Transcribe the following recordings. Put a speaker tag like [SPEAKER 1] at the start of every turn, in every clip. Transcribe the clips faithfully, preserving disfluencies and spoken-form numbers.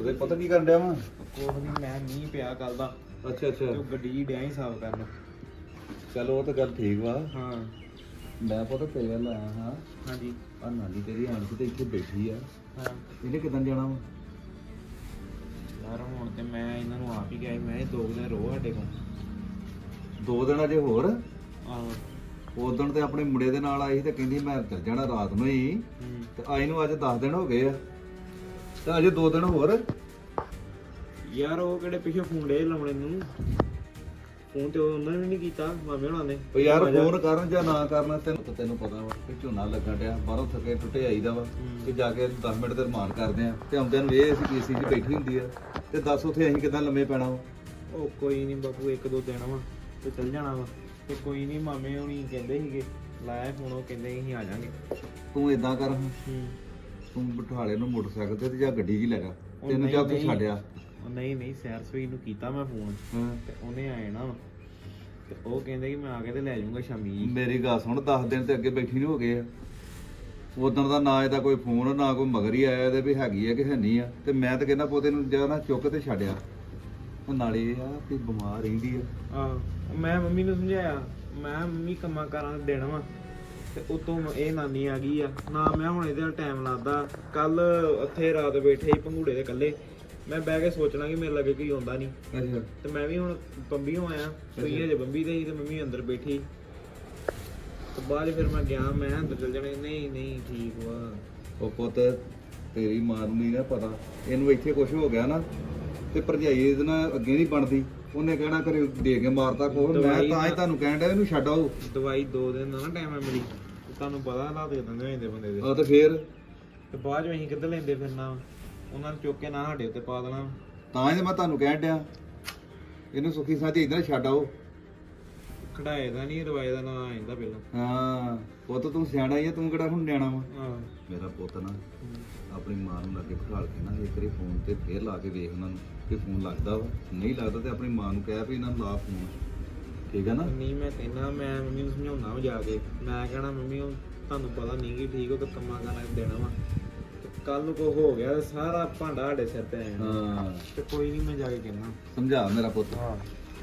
[SPEAKER 1] ਉਹਦੇ ਪਤਾ ਕੀ ਕਰਨ ਡਿਆ ਵਾ?
[SPEAKER 2] ਕੋਹ ਨਹੀਂ, ਮੈਂ ਮੀਂਹ ਪਿਆ ਕੱਲ ਦਾ
[SPEAKER 1] ਅੱਛਾ ਅੱਛਾ,
[SPEAKER 2] ਤੇ ਉਹ ਗੱਡੀ ਡਿਆ ਹੀ ਸਾਫ਼ ਕਰਨ।
[SPEAKER 1] ਚਲੋ ਉਹ ਤਾਂ ਗੱਲ ਠੀਕ ਵਾ।
[SPEAKER 2] ਹਾਂ
[SPEAKER 1] ਮੈਂ ਪਤਾ ਤੇਰੇ ਵੱਲ ਆਇਆ ਹਾਂ।
[SPEAKER 2] ਹਾਂਜੀ
[SPEAKER 1] ਆ ਨਾਨੀ ਤੇਰੀ ਆਣ ਕੇ ਤੇ ਇੱਥੇ ਬੈਠੀ ਆ,
[SPEAKER 2] ਹਾਂ
[SPEAKER 1] ਇਹਨੇ ਕਿਦਾਂ ਜਾਣਾ ਵਾ?
[SPEAKER 2] ਯਾਰ ਹੁਣ ਤੇ ਮੈਂ ਇਹਨਾਂ ਨੂੰ ਆਪ ਹੀ ਕਿਹਾ ਸੀ, ਮੈਂ ਇਹ ਦੋ ਕੁ ਦਿਨ ਰੋ ਸਾਡੇ ਕੋਲ।
[SPEAKER 1] ਦੋ ਦਿਨ ਅਜੇ ਹੋਰ?
[SPEAKER 2] ਆਹੋ
[SPEAKER 1] ਉਦੋਂ ਤੇ ਆਪਣੇ ਮੁੰਡੇ ਦੇ ਨਾਲ ਆਈ ਸੀ ਤੇ ਕਹਿੰਦੀ ਮੈਂ ਚੱਲ ਜਾਣਾ ਰਾਤ ਨੂੰ ਹੀ,
[SPEAKER 2] ਹੂੰ
[SPEAKER 1] ਤੇ ਆਈ ਨੂੰ ਅੱਜ ਦਸ ਦਿਨ ਹੋ ਗਏ ਆ, ਤੇ ਅਜੇ ਦੋ ਦਿਨ ਹੋਰ।
[SPEAKER 2] ਯਾਰ ਉਹ ਕਿਹੜੇ ਪਿੱਛੇ ਫੋਨ ਡੇ ਲਾਉਣੇ ਨੂੰ, ਫੋਨ ਤੇ ਉਹਨਾਂ ਨੇ ਨਹੀਂ ਕੀਤਾ ਮਾਮੇ ਹੁਣਾਂ ਨੇ।
[SPEAKER 1] ਉਹ ਯਾਰ ਫੋਨ ਕਰਨ ਜਾਂ ਨਾ ਕਰਨ, ਤੈਨੂੰ ਤਾਂ ਤੈਨੂੰ ਪਤਾ ਵਾ ਕਿ ਝੋਨਾ ਲੱਗਣ ਡਿਆ, ਬਾਹਰੋਂ ਥੱਕੇ ਟੁੱਟੇ ਆਈਦਾ ਵਾ, ਤੇ ਜਾ ਕੇ ਦਸ ਮਿੰਟ ਤੇ ਰਮਾਨ ਕਰਦੇ ਆ, ਤੇ ਆਉਂਦਿਆਂ ਨੂੰ ਇਹ ਅਸੀਂ ਏਸੀ 'ਚ ਬੈਠੀ ਹੁੰਦੀ ਆ, ਤੇ ਦੱਸ ਉੱਥੇ ਅਸੀਂ ਕਿੱਦਾਂ ਲੰਮੇ ਪੈਣਾ ਵਾ?
[SPEAKER 2] ਉਹ ਕੋਈ ਨਹੀਂ ਬਾਪੂ, ਇੱਕ ਦੋ ਦਿਨ ਵਾ ਤੇ ਚੱਲ ਜਾਣਾ ਵਾ। ਤੇ ਕੋਈ ਨਹੀਂ, ਮਾਮੇ ਹੁਣੀ ਕਹਿੰਦੇ ਸੀਗੇ, ਲਾਇਆ ਫੋਨ, ਉਹ ਕਹਿੰਦੇ ਸੀ ਅਸੀਂ ਆ ਜਾਾਂਗੇ।
[SPEAKER 1] ਤੂੰ ਏਦਾਂ ਕਰ,
[SPEAKER 2] ਹੂੰ
[SPEAKER 1] ਤੂੰ ਬਠਾਲੇ ਨੂੰ ਮੋਟਰਸਾਈਕਲ ਤੇ ਜਾਂ ਗੱਡੀ 'ਚ ਹੀ ਲੈ ਜਾ,
[SPEAKER 2] ਉਹ
[SPEAKER 1] ਤੈਨੂੰ
[SPEAKER 2] ਨਹੀਂ,
[SPEAKER 1] ਜਾਂ ਉੱਥੇ
[SPEAKER 2] ਨਹੀਂ।
[SPEAKER 1] ਛੱਡਿਆ।
[SPEAKER 2] ਉਹ ਨਹੀਂ ਨਹੀਂ, ਸੈਰ ਸੂਈ ਨੂੰ ਕੀਤਾ ਮੈਂ ਫੋਨ,
[SPEAKER 1] ਹਾਂ
[SPEAKER 2] ਤੇ ਉਹਨੇ ਆਏ ਨਾ, ਤੇ ਉਹ ਕਹਿੰਦੇ ਕਿ ਮੈਂ ਆ ਕੇ ਤੇ ਲੈ ਜਾਊਂਗਾ ਸ਼ਾਮੀ ਜੀ।
[SPEAKER 1] ਮੇਰੀ ਗੱਲ ਸੁਣ, ਦਸ ਦਿਨ ਤੇ ਅੱਗੇ ਬੈਠੀ ਨੂੰ ਹੋ ਗਏ ਆ, ਉਦੋਂ ਦਾ ਨਾ ਇਹਦਾ ਕੋਈ ਫੋਨ ਨਾ ਕੋਈ ਮਗਰ ਹੀ ਆਇਆ ਇਹਦੇ ਵੀ ਹੈਗੀ ਆ ਕਿ ਹੈ ਨਹੀਂ ਆ, ਤੇ ਮੈਂ ਤਾਂ ਕਹਿੰਦਾ ਪੋਤੇ ਨੂੰ ਜਾਂ ਨਾ ਚੁੱਕ ਤੇ ਛੱਡਿਆ। ਉਹ ਨਾਲੇ ਇਹ ਆ ਕਿ ਬਿਮਾਰ ਰਹਿੰਦੀ ਆ।
[SPEAKER 2] ਆਹ ਮੈਂ ਮੰਮੀ ਨੂੰ ਸਮਝਾਇਆ, ਮੈਂ ਮੰਮੀ ਕੰਮਾਂ ਕਾਰਾਂ ਦੇ ਦੇਣਾ ਵਾ, ਤੇ ਉਤੋਂ ਇਹ ਨਾਨੀ ਆ ਗਈ ਆ ਨਾ, ਮੈਂ ਹੁਣ ਇਹਦੇ ਨਾਲ ਟਾਈਮ ਲਾਦਾ। ਕੱਲ ਉੱਥੇ ਰਾਤ ਬੈਠੇ ਸੀ ਪੰਘੂੜੇ ਦੇ ਇਕੱਲੇ, ਮੈਂ ਬਹਿ ਕੇ ਸੋਚਣਾ ਕਿ ਮੇਰੇ ਲੱਗੇ ਕੋਈ ਆਉਂਦਾ ਨਹੀਂ,
[SPEAKER 1] ਅੱਛਾ,
[SPEAKER 2] ਤੇ ਮੈਂ ਵੀ ਹੁਣ ਬੰਬੀਓਂ ਆਇਆ, ਸੂਈ ਹਜੇ ਬੰਬੀ ਤੇ ਸੀ, ਤੇ ਮੰਮੀ ਅੰਦਰ ਬੈਠੀ। ਤੇ ਬਾਅਦ 'ਚ ਫਿਰ ਮੈਂ ਗਿਆ, ਮੈਂ ਅੰਦਰ ਚਲ ਜਾਣਾ। ਨਹੀਂ ਨਹੀਂ ਠੀਕ ਵਾ।
[SPEAKER 1] ਉਹ ਪੁੱਤ ਤੇਰੀ ਮਾਂ ਨੂੰ ਨਹੀਂ ਨਾ ਪਤਾ, ਇਹਨੂੰ ਇੱਥੇ ਕੁਝ ਹੋ ਗਿਆ ਨਾ, ਤੇ ਭਰਜਾਈ ਇਹਦੇ ਨਾਲ ਅੱਗੇ ਨਹੀਂ ਬਣਦੀ, ਉਹਨੇ ਕਹਿਣਾ ਕਰੇ ਦੇ ਕੇ ਮਾਰਤਾ ਖੋ। ਮੈਂ
[SPEAKER 2] ਦਵਾਈ
[SPEAKER 1] ਤਾਂ ਹੀ
[SPEAKER 2] ਨਾ-
[SPEAKER 1] ਤੁਹਾਨੂੰ ਕਹਿਣ ਡਿਆ ਇਹਨੂੰ ਛੱਡ ਆਓ।
[SPEAKER 2] ਦਵਾਈ ਦੋ ਦਿਨ ਦਾ ਨਾ ਟਾਈਮ ਹੈ ਮੇਰੀ, ਤੇ ਤੁਹਾਨੂੰ ਪਤਾ ਹਾਲਾਤ ਕਿਦਾਂ ਦੇ ਹੋ ਜਾਂਦੇ ਬੰਦੇ ਦੇ।
[SPEAKER 1] ਆ ਤੇ ਫੇਰ
[SPEAKER 2] ਤੇ ਬਾਅਦ 'ਚ ਅਸੀਂ ਕਿੱਧਰ ਲੈਂਦੇ ਫਿਰਨਾ ਵਾ? ਉਹਨਾਂ ਨੂੰ ਚੁੱਕ ਕੇ ਨਾ ਸਾਡੇ ਉੱਤੇ ਪਾ ਦੇਣਾ।
[SPEAKER 1] ਤਾਂ ਹੀ ਤਾਂ ਮੈਂ ਤੁਹਾਨੂੰ ਕਹਿਣ ਡਿਆ ਇਹਨੂੰ ਸੁੱਖੀ ਸਾਥੀ ਇੱਧਰ ਛੱਡ ਆਓ।
[SPEAKER 2] ਕਢਾਏ ਦਾ ਨਹੀਂ, ਰਵਾਏ ਦਾ ਨਾਂ ਆ ਜਾਂਦਾ ਪਹਿਲਾਂ।
[SPEAKER 1] ਹਾਂ ਪੁੱਤ ਤੂੰ ਸਿਆਣਾ ਹੀ ਆ, ਤੂੰ ਕਿਹੜਾ ਹੁਣ ਨਿਆਣਾ ਵਾ?
[SPEAKER 2] ਹਾਂ
[SPEAKER 1] ਮੇਰਾ ਪੁੱਤ ਨਾ ਆਪਣੀ ਮਾਂ ਨੂੰ ਲਾਗੇ ਬਿਠਾ ਕੇ ਨਾ ਇੱਕ ਵਾਰੀ ਫੋਨ ਤੇ ਫੇਰ ਲਾ ਕੇ ਵੇਖ ਉਹਨਾਂ ਨੂੰ ਕਿ ਫੋਨ ਲੱਗਦਾ ਵਾ, ਨਹੀਂ ਲੱਗਦਾ ਤੇ ਆਪਣੀ ਮਾਂ ਨੂੰ ਕਹਿ ਵੀ ਇਹਨਾਂ ਨੂੰ ਲਾ ਫੋਨ, ਠੀਕ ਹੈ ਨਾ?
[SPEAKER 2] ਨਹੀਂ ਮੈਂ ਕਹਿੰਦਾ, ਮੈਂ ਮੰਮੀ ਨੂੰ ਸਮਝਾਉਣਾ ਵਾ ਜਾ ਕੇ, ਮੈਂ ਕਹਿਣਾ ਮੰਮੀ ਉਹ ਤੁਹਾਨੂੰ ਪਤਾ ਨਹੀਂ ਕਿ ਠੀਕ ਹੋ, ਤੇ ਕੰਮਾਂ ਕਰਨਾ ਦੇਣਾ ਵਾ, ਕੱਲ ਨੂੰ ਕੁਛ ਹੋ ਗਿਆ ਤੇ ਸਾਰਾ ਭਾਂਡਾ ਸਾਡੇ ਸਿਰ ਤੇ ਆ ਜਾਣਾ।
[SPEAKER 1] ਹਾਂ
[SPEAKER 2] ਤੇ ਕੋਈ ਨਹੀਂ, ਮੈਂ ਜਾ ਕੇ ਕਹਿਣਾ।
[SPEAKER 1] ਸਮਝਾ ਮੇਰਾ ਪੁੱਤ।
[SPEAKER 2] ਹਾਂ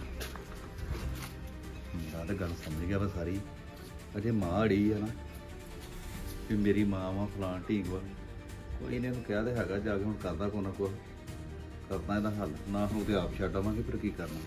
[SPEAKER 1] ਮੁੰਡਾ ਤਾਂ ਗੱਲ ਸਮਝ ਗਿਆ ਵਾ ਸਾਰੀ, ਅਜੇ ਮਾਂ ਅੜੀ ਆ ਨਾ ਵੀ ਮੇਰੀ ਮਾਂ ਵਾ ਫਲਾਣ ਢੀਂਗ ਵਾ, ਕੋਈ ਨੇ ਇਹਨੂੰ ਕਿਹਾ ਤੇ ਹੈਗਾ, ਜਾ ਕੇ ਹੁਣ ਕਰਦਾ ਕੋ ਨਾ ਕੁਛ, ਕਰਦਾ ਇਹਦਾ ਹੱਲ, ਨਾ ਹੁਣ ਤੇ ਆਪ ਛੱਡ ਆਵਾਂਗੇ, ਫਿਰ ਕੀ ਕਰਨਾ।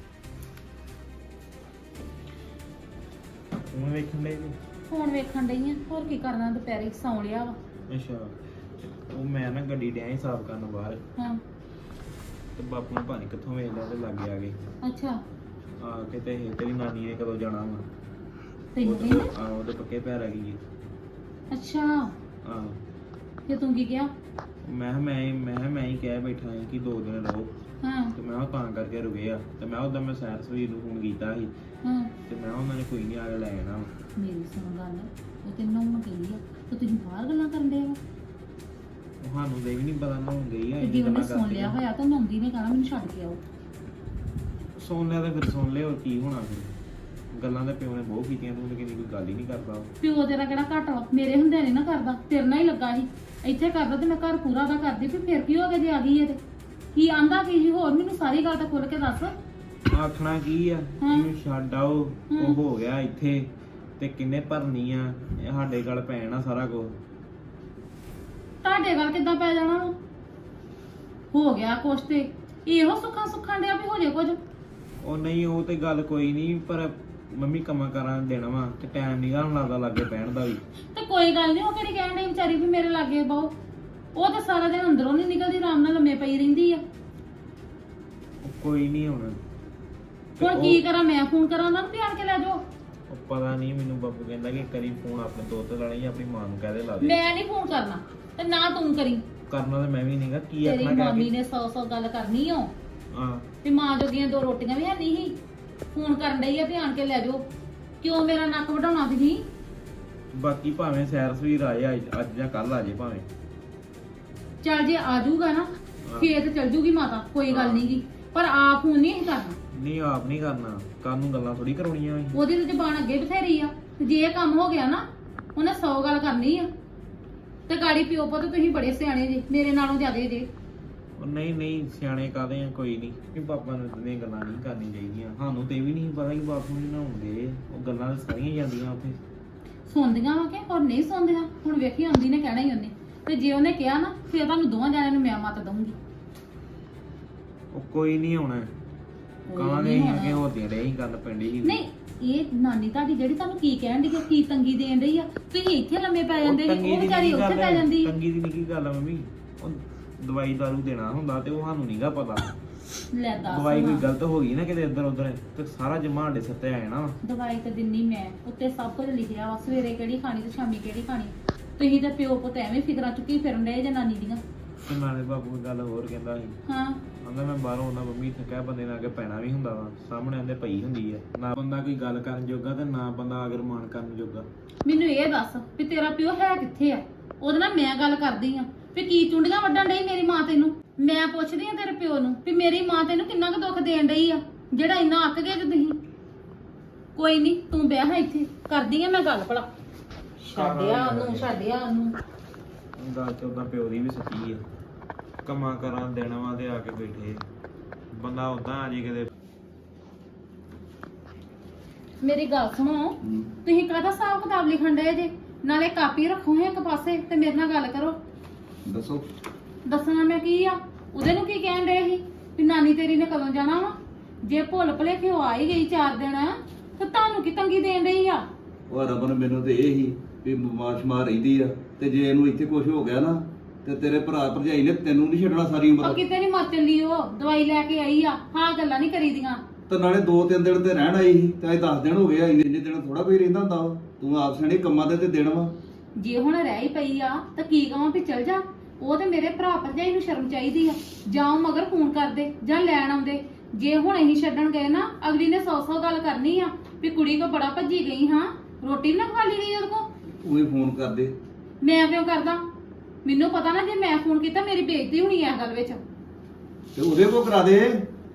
[SPEAKER 2] ਹੁਣ ਵੇਖਣ ਲਈ
[SPEAKER 3] ਫੋਨ ਵੇਖਣ ਡਈ ਆ, ਹੋਰ ਕੀ ਕਰਨਾ, ਦੁਪਹਿਰੇ ਸੌਂ ਲਿਆ ਵਾ।
[SPEAKER 2] ਅੱਛਾ, ਉਹ ਮੈਂ ਨਾ ਗੱਡੀ ਡਿਆ ਸੀ ਸਾਫ਼ ਕਰਨ ਬਾਹਰ,
[SPEAKER 3] ਹਾਂ
[SPEAKER 2] ਤੇ ਬਾਪੂ ਨੂੰ ਪਾਣੀ ਕਿੱਥੋਂ ਵੇਚ ਲਿਆ ਤੇ ਲਾਗੇ ਆ ਗਏ।
[SPEAKER 3] ਅੱਛਾ,
[SPEAKER 2] ਆ ਕੇ ਤੇ ਇਹ ਤੇਰੀ ਨਾਨੀ ਨੇ ਕਦੋਂ ਜਾਣਾ ਵਾ?
[SPEAKER 3] ਤੈਨੂੰ
[SPEAKER 2] ਉਹਦੇ-
[SPEAKER 3] ਕਹਿੰਦੇ?
[SPEAKER 2] ਆ ਉਹਦੇ ਪੱਕੇ ਪੈਰ ਆ ਗਈ।
[SPEAKER 3] ਅੱਛਾ,
[SPEAKER 2] ਆ
[SPEAKER 3] ਤੇ ਤੂੰ ਕੀ ਕਿਹਾ?
[SPEAKER 2] ਮੈਂ ਕਿਹਾ ਮੈਂ ਮੈਂ ਕਿਹਾ ਮੈਂ ਹੀ ਕਹਿ ਬੈਠਾ ਹਾਂ ਕਿ ਦੋ ਦਿਨ ਰਹੋ,
[SPEAKER 3] ਹਾਂ
[SPEAKER 2] ਤੇ ਮੈਂ ਉਹ ਤਾਂ ਕਰਕੇ ਰੁਕੇ ਆ। ਤੇ ਮੈਂ ਉਦੋਂ ਮੈਂ ਸੈਰ ਸਵੀਰ ਨੂੰ ਫੋਨ ਕੀਤਾ ਸੀ,
[SPEAKER 3] ਹਾਂ,
[SPEAKER 2] ਤੇ ਮੈਂ ਉਹਨਾਂ ਨੇ ਕੋਈ ਨਹੀਂ ਆ ਕੇ ਲੈ ਜਾਣਾ।
[SPEAKER 3] ਮੇਰੀ ਸੁਣ ਗੱਲ, ਉਹ ਤੈਨੂੰ ਨੂੰ ਕਹਿੰਦੀ ਆ ਤੇ ਤੁਸੀਂ ਬਾਹਰ ਗੱਲਾਂ ਕਰਨ ਦੇ ਆ,
[SPEAKER 2] ਤੁਹਾਨੂੰ ਦੇ ਵੀ ਨਹੀਂ ਪਤਾ ਨਾ ਹੁਣ ਗਈ ਆ।
[SPEAKER 3] ਤੇ ਜੇ ਉਹਨੇ ਸੁਣ ਲਿਆ ਹੋਇਆ ਤਾਂ ਨੌਂਦੀ ਨੇ ਕਹਣਾ ਮੈਨੂੰ ਛੱਡ ਕੇ ਆਓ।
[SPEAKER 2] ਸੁਣ ਲਿਆ ਤੇ ਫਿਰ ਸੁਣ ਲਿਆ, ਹੋਰ ਕੀ ਹੋਣਾ ਫਿਰ? ਗੱਲਾਂ ਤਾਂ ਪਿਓ ਨੇ ਬਹੁਤ ਕੀਤੀਆਂ, ਤੂੰ ਲੇਕਿਨ ਕੋਈ ਗੱਲ ਹੀ ਨਹੀਂ ਕਰਦਾ।
[SPEAKER 3] ਪਿਓ ਤੇਰਾ ਕਿਹੜਾ ਘੱਟ ਵਾ, ਮੇਰੇ ਹੁੰਦਿਆਂ ਨਹੀਂ ਨਾ ਕਰਦਾ, ਤੇਰੇ ਨਾਲ ਹੀ ਲੱਗਾ ਸੀ। ਇੱਥੇ ਕਰਦਾ ਤੇ ਮੈਂ ਘਰ ਪੂਰਾ ਦਾ ਕਰਦੀ, ਵੀ ਫਿਰ ਕੀ ਹੋ ਗਿਆ ਜੇ ਆ ਗਈ ਹੈ ਤੇ ਕੀ ਆਂਦਾ ਕੀ ਸੀ ਹੋਰ? ਮੈਨੂੰ ਸਾਰੀ ਗੱਲ ਤਾਂ ਖੁੱਲ ਕੇ ਦੱਸ।
[SPEAKER 2] ਆਖਣਾ ਕੀ ਆ, ਇਹਨੂੰ ਛੱਡ ਆਓ, ਉਹ ਹੋ ਗਿਆ ਇੱਥੇ, ਤੇ ਕਿੰਨੇ ਭਰਨੀ ਆ, ਇਹ ਸਾਡੇ ਗੱਲ ਪੈਣਾ ਸਾਰਾ ਕੁਝ।
[SPEAKER 3] ਤੁਹਾਡੇ ਗੱਲ ਕਿੱਦਾਂ ਪੈ ਜਾਣਾ ਵਾ? ਹੋ ਗਿਆ ਕੁਛ ਤੇ ਇਹੋ ਸੁੱਖਾਂ ਸੁੱਖਾਂ ਡਿਆ ਵੀ ਹੋ ਜੇ ਕੁਝ।
[SPEAKER 2] ਉਹ ਨਹੀਂ, ਉਹ ਤੇ ਗੱਲ ਕੋਈ ਨਹੀਂ, ਪਰ ਮੰਮੀ ਕੰਮਾਂ ਕਾਰਾਂ ਦੇਣਾ ਵਾ, ਤੇ ਟਾਈਮ ਨਹੀਂ ਗਾ ਲੱਗਦਾ ਲਾਗੇ ਬਹਿਣ ਦਾ ਵੀ।
[SPEAKER 3] ਤੇ ਕੋਈ ਗੱਲ ਨਹੀਂ, ਉਹ ਕਿਹੜੀ ਕਹਿਣ ਡਈ ਵਿਚਾਰੀ ਵੀ ਮੇਰੇ ਲਾਗੇ ਬਹੁ, ਉਹ ਤਾਂ ਸਾਰਾ ਦਿਨ ਅੰਦਰੋਂ ਨਹੀਂ ਨਿਕਲਦੀ, ਆਰਾਮ ਨਾਲ ਲੰਮੇ ਪਈ ਰਹਿੰਦੀ ਆ।
[SPEAKER 2] ਉਹ ਕੋਈ ਨਹੀਂ ਹੁਣ। ਤੇ
[SPEAKER 3] ਹੁਣ
[SPEAKER 2] ਉਹ-
[SPEAKER 3] ਕੀ ਕਰਾਂ, ਮੈਂ ਫੋਨ ਕਰਾਂ ਉਹਨਾਂ ਨੂੰ ਵੀ ਆਣ ਕੇ ਲੈ ਜਾਓ?
[SPEAKER 2] ਉਹ ਪਤਾ ਨਹੀਂ, ਮੈਨੂੰ ਬਾਪੂ ਕਹਿੰਦਾ ਕਿ ਕਰੀ ਫੋਨ ਆਪਣੇ ਦੋਸਤ ਲਾਣੀ ਜਾਂ ਆਪਣੀ ਮਾਂ ਨੂੰ ਕਹਿ ਦੇ ਲਾ ਦੇ।
[SPEAKER 3] ਮੈਂ ਨਹੀਂ ਫੋਨ ਕਰਨਾ, ਤੇ ਨਾ ਤੂੰ ਕਰੀ।
[SPEAKER 2] ਕਰਨਾ ਤੇ ਮੈਂ ਵੀ ਨਹੀਂਗਾ, ਕੀ
[SPEAKER 3] ਤੇਰੀ
[SPEAKER 2] ਆਖਣਾ
[SPEAKER 3] ਮਾਮੀ
[SPEAKER 2] ਕਹਿ ਕੇ।
[SPEAKER 3] ਨੇ ਸੌ ਸੌ ਗੱਲ ਕਰਨੀ ਓ,
[SPEAKER 2] ਹਾਂ
[SPEAKER 3] ਵੀ ਮਾਂ ਜੋਗੀਆਂ ਦੋ ਰੋਟੀਆਂ ਵੀ ਹੈ ਨਹੀਂ ਸੀ, ਫੋਨ ਕਰਨ ਡਈ ਆ ਵੀ ਆਣ ਕੇ ਲੈ ਜਾਓ। ਕਿਉਂ ਮੇਰਾ ਨੱਕ ਵਢਾਉਣਾ ਤੁਸੀਂ?
[SPEAKER 2] ਬਾਕੀ ਭਾਵੇਂ ਸੈਰ ਸਵੀਰ ਆਏ ਅੱਜ ਅੱਜ ਜਾਂ ਕੱਲ ਆ ਜੇ ਭਾਵੇਂ।
[SPEAKER 3] ਚੱਲ ਜੇ ਆ ਜਾਊਗਾ ਨਾ ਫੇਰ ਤੇ ਚੱਲ ਜੂਗੀ ਮਾਤਾ, ਕੋਈ ਗੱਲ ਨੀ ਗੀ, ਪਰ ਆਪ ਫੋਨ ਨਹੀਂ ਕਰਨਾ।
[SPEAKER 2] ਨਹੀਂ ਆਪ ਨਹੀਂ ਕਰਨਾ, ਕੱਲ ਨੂੰ ਗੱਲਾਂ ਥੋੜੀ ਕਰਾਉਣੀਆਂ ਸੀ।
[SPEAKER 3] ਉਹਦੀ ਤਾਂ ਜ਼ਬਾਨ ਅੱਗੇ ਬਥੇਰੀ ਆ, ਤੇ ਜੇ ਇਹ ਕੰਮ ਹੋ ਗਿਆ ਨਾ ਉਹਨੇ ਸੌ ਗੱਲ ਕਰਨੀ ਆ। ਤੇ ਗਾੜੀ ਪਿਓ ਪੁੱਤ ਤੁਸੀਂ ਬੜੇ ਸਿਆਣੇ ਜੇ, ਮੇਰੇ ਨਾਲੋਂ ਜ਼ਿਆਦੇ ਜੇ।
[SPEAKER 2] ਉਹ ਨਹੀਂ ਨਹੀਂ ਸਿਆਣੇ ਕਾਦੇ ਆ ਕੋਈ ਨਹੀਂ ਕਿ ਪਾਪਾ ਨੂੰ ਇਤਨੀਆਂ ਗੱਲਾਂ ਨਹੀਂ ਕਰਨੀਆਂ ਚਾਹੀਦੀਆਂ ਸਾਨੂੰ ਤੇ ਇਹ ਵੀ ਨਹੀਂ ਪਤਾ ਕਿ ਬਾਥਰੂਮ ਨਹੀਂ ਨਹਾਉਂਦੇ ਉਹ ਗੱਲਾਂ ਤਾਂ ਸਾਰੀਆਂ ਜਾਂਦੀਆਂ ਉੱਥੇ
[SPEAKER 3] ਸੁਣਦੀਆਂ ਵਾ ਕਿ ਹੋਰ ਨਹੀਂ ਸੁਣਦੀਆਂ ਹੁਣ ਵੇਖੀ ਆਉਂਦੀ ਨੇ ਕਹਿਣਾ ਹੀ ਉਹਨੇ ਤੇ ਜੇ ਉਹਨੇ ਕਿਹਾ ਨਾ ਫਿਰ ਤੁਹਾਨੂੰ ਦੋਵਾਂ ਜਣਿਆਂ ਨੂੰ ਮੈਂ ਮਤ ਦਊਂਗੀ
[SPEAKER 2] ਉਹ ਕੋਈ ਨਹੀਂ ਆਉਣਾ ਕਾਹਦੇ ਹੀ ਅੱਗੇ ਹੋਦੀਆਂ ਰਹੇ ਹੀ ਗੱਲ ਪੈਂਦੀ ਸੀ
[SPEAKER 3] ਨਹੀਂ ਇਹ ਨਾਨੀ ਤੁਹਾਡੀ ਜਿਹੜੀ ਤੁਹਾਨੂੰ ਕੀ ਕਹਿਣ ਦੀ ਕੀ ਤੰਗੀ ਦੇਣ ਰਹੀ ਆ ਤੁਸੀਂ ਇੱਥੇ ਲੰਮੇ ਪੈ ਜਾਂਦੇ ਸੀ ਉਹ ਵਿਚਾਰੀ ਉੱਥੇ ਪੈ ਜਾਂਦੀ
[SPEAKER 2] ਤੰਗੀ ਦੀ ਕੀ ਗੱਲ ਆ ਮੰਮੀ ਉਹ ਦਵਾਈ ਦਾਰੂ ਦੇਣਾ ਹੁੰਦਾ ਤੇ ਉਹ ਸਾਨੂੰ ਨਹੀਂਗਾ ਪਤਾ
[SPEAKER 3] ਲੈ ਦੱਸ
[SPEAKER 2] ਦਵਾਈ ਕੋਈ ਗਲਤ ਹੋ ਗਈ ਨਾ ਕਿਤੇ ਇੱਧਰ ਉੱਧਰ ਤੇ ਸਾਰਾ ਜਮਾ ਸਾਡੇ ਸਿਰ ਤੇ ਆ ਜਾਣਾ
[SPEAKER 3] ਦਵਾਈ ਤਾਂ ਦਿੰਨੀ ਮੈਂ ਉੱਤੇ ਸਭ ਕੁਝ ਲਿਖਿਆ ਵਾ ਸਵੇਰੇ ਕਿਹੜੀ ਖਾਣੀ ਤੇ ਸ਼ਾਮੀ ਕਿਹੜੀ ਖਾਣੀ ਤੁਸੀਂ ਤਾਂ ਪਿਓ ਪੁੱਤ ਐਵੇਂ ਫਿਕਰਾਂ ਚੁੱਕੀ ਫਿਰਨ ਡਏ ਜੇ ਨਾਨੀ ਦੀਆਂ
[SPEAKER 2] ਤੇ ਨਾਲੇ ਬਾਪੂ ਗੱਲ ਹੋਰ ਕਹਿੰਦਾ ਸੀ
[SPEAKER 3] ਹਾਂ
[SPEAKER 2] ਕਹਿੰਦਾ ਮੈਂ ਬਾਹਰੋਂ ਆਉਂਦਾ ਮੰਮੀ ਇੱਥੇ ਕਹਿ ਬੰਦੇ ਨਾਲ ਅੱਗੇ ਪੈਣਾ ਵੀ ਹੁੰਦਾ ਵਾ ਸਾਹਮਣੇ ਆਂਦੇ ਪਈ ਹੁੰਦੀ ਆ ਨਾ ਬੰਦਾ ਕੋਈ ਗੱਲ ਕਰਨ ਜੋਗਾ ਤੇ ਨਾ ਬੰਦਾ ਅਗਰ ਮਾਨ ਕਰਨ ਜੋਗਾ
[SPEAKER 3] ਮੈਨੂੰ ਇਹ ਦੱਸ ਵੀ ਤੇਰਾ ਪਿਓ ਹੈ ਕਿੱਥੇ ਆ ਉਹਦੇ ਨਾਲ ਮੈਂ ਗੱਲ ਕਰਦੀ ਆ ਵੀ ਕੀ ਚੁੰਡੀਆਂ ਵੱਢਣ ਡਈ ਮੇਰੀ ਮਾਂ ਤੈਨੂੰ ਮੈਂ ਪੁੱਛਦੀ ਆ ਤੇਰੇ ਪਿਓ ਨੂੰ ਵੀ ਮੇਰੀ ਮਾਂ ਤੈਨੂੰ ਕਿੰਨਾ ਕੁ ਦੁੱਖ ਦੇਣ ਡਈ ਆ ਜਿਹੜਾ ਇੰਨਾ ਅੱਕ ਗਏ ਜੇ ਤੁਸੀਂ ਕੋਈ ਨਹੀਂ ਤੂੰ ਬਹਿ ਹਾਂ ਇੱਥੇ ਕਰਦੀ ਆ ਮੈਂ ਗੱਲ ਭਲਾ ਛੱਡਿਆ ਉਹਨੂੰ ਛੱਡਿਆ ਉਹਨੂੰ
[SPEAKER 2] ਗੱਲ ਤੇ ਉਦਾਂ ਪਿਓ ਦੀ ਵੀ ਸੱਚੀ ਆ ਕੰਮਾਂ ਕਰਾਂ ਦੇਣਾ ਵਾ ਤੇ ਆ ਕੇ ਬੈਠੇ ਬੰਦਾ ਉਦਾਂ ਆ ਜੇ ਕਿਤੇ
[SPEAKER 3] ਮੇਰੀ ਗੱਲ ਸੁਣੋ ਤੁਸੀਂ ਕਾਹਦਾ ਹਿਸਾਬ ਕਿਤਾਬ ਲਿਖਣ ਡਏ ਜੇ ਨਾਲੇ ਕਾਪੀ ਰੱਖੋ ਹੈ ਇੱਕ ਪਾਸੇ ਤੇ ਮੇਰੇ ਨਾਲ ਗੱਲ ਕਰੋ
[SPEAKER 1] ਦੱਸੋ
[SPEAKER 3] ਦੱਸਣਾ ਮੈਂ ਕੀ ਆ ਉਹਦੇ ਨੂੰ ਕੀ ਕਹਿਣ ਡਏ ਸੀ ਵੀ ਨਾਨੀ ਤੇਰੀ ਨੇ ਕਦੋਂ ਜਾਣਾ ਵਾ ਜੇ ਭੁੱਲ ਭੁਲੇਖੇ ਉਹ ਆ ਹੀ ਗਈ ਚਾਰ ਦਿਨ ਤੇ ਤੁਹਾਨੂੰ ਕੀ ਤੰਗੀ ਦੇਣ ਰਹੀ ਆ
[SPEAKER 1] ਉਹ ਰਬਨ ਮੈਨੂੰ ਤੇ ਇਹ ਹੀ ਵੀ ਬਿਮਾਰ ਸ਼ਮਾਰ ਰਹਿੰਦੀ ਆ ਤੇ ਜੇ ਇਹਨੂੰ ਇੱਥੇ ਕੁਝ ਹੋ ਗਿਆ ਨਾ ਤੇ ਤੇਰੇ ਭਰਾ ਭਰਜਾਈ ਨੇ ਤੈਨੂੰ ਨਹੀਂ ਛੱਡਣਾ ਸਾਰੀ
[SPEAKER 3] ਉਹ
[SPEAKER 1] ਉਮਰ
[SPEAKER 3] ਕਿਤੇ ਨਹੀਂ ਮਰ ਚੱਲੀ ਉਹ ਦਵਾਈ ਲੈ ਕੇ ਆਈ ਆ ਹਾਂ ਗੱਲਾਂ ਨਹੀਂ ਕਰੀਦੀਆਂ
[SPEAKER 1] ਤੇ ਨਾਲੇ ਦੋ ਤਿੰਨ ਦਿਨ ਤੇ ਰਹਿਣ ਆਈ ਸੀ ਤੇ ਅੱਜ ਦਸ ਦਿਨ ਹੋ ਗਏ ਆ ਇੰਨੇ ਇੰਨੇ ਦਿਨ ਥੋੜਾ ਕੋਈ ਰਹਿੰਦਾ ਹੁੰਦਾ ਵਾ। ਤੂੰ ਆਪ ਸਣੇ ਕੰਮਾਂ ਦੇ ਤੇ ਦਿਨ ਵਾ
[SPEAKER 3] ਜੇ ਹੁਣ ਰਹਿ ਹੀ ਪਈ ਆ ਤਾਂ ਕੀ ਕਹਾਂ ਵੀ ਚਲ ਜਾ ਉਹ ਤੇ ਮੇਰੇ ਭਰਾ ਭਰਜਾਈ ਨੂੰ ਸ਼ਰਮ ਚਾਹੀਦੀ ਆ ਜਾਂ ਉਹ ਮਗਰ ਫੋਨ ਕਰਦੇ ਜਾਂ ਲੈਣ ਆਉਂਦੇ ਜੇ ਹੁਣ ਅਸੀਂ ਛੱਡਣ ਗਏ ਨਾ ਅਗਲੀ ਨੇ ਸੌ ਸੌ ਗੱਲ ਕਰਨੀ ਆ ਵੀ ਕੁੜੀ ਕੋ ਬੜਾ ਭੱਜੀ ਗਈ ਹਾਂ ਰੋਟੀ ਨਾ ਖਾ ਲਈ ਗਈ ਉਹਦੇ ਕੋ
[SPEAKER 1] ਤੂੰ ਹੀ ਫੋਨ ਕਰਦੇ
[SPEAKER 3] ਮੈਂ ਕਿਉਂ ਕਰਦਾ ਮੈਨੂੰ ਪਤਾ ਨਾ ਜੇ ਮੈਂ ਫੋਨ ਕੀਤਾ ਮੇਰੀ ਬੇਇੱਜ਼ਤੀ ਹੋਣੀ ਐ ਗੱਲ ਵਿੱਚ
[SPEAKER 1] ਤੇ ਉਹਦੇ ਕੋ ਕਰਾ ਦੇ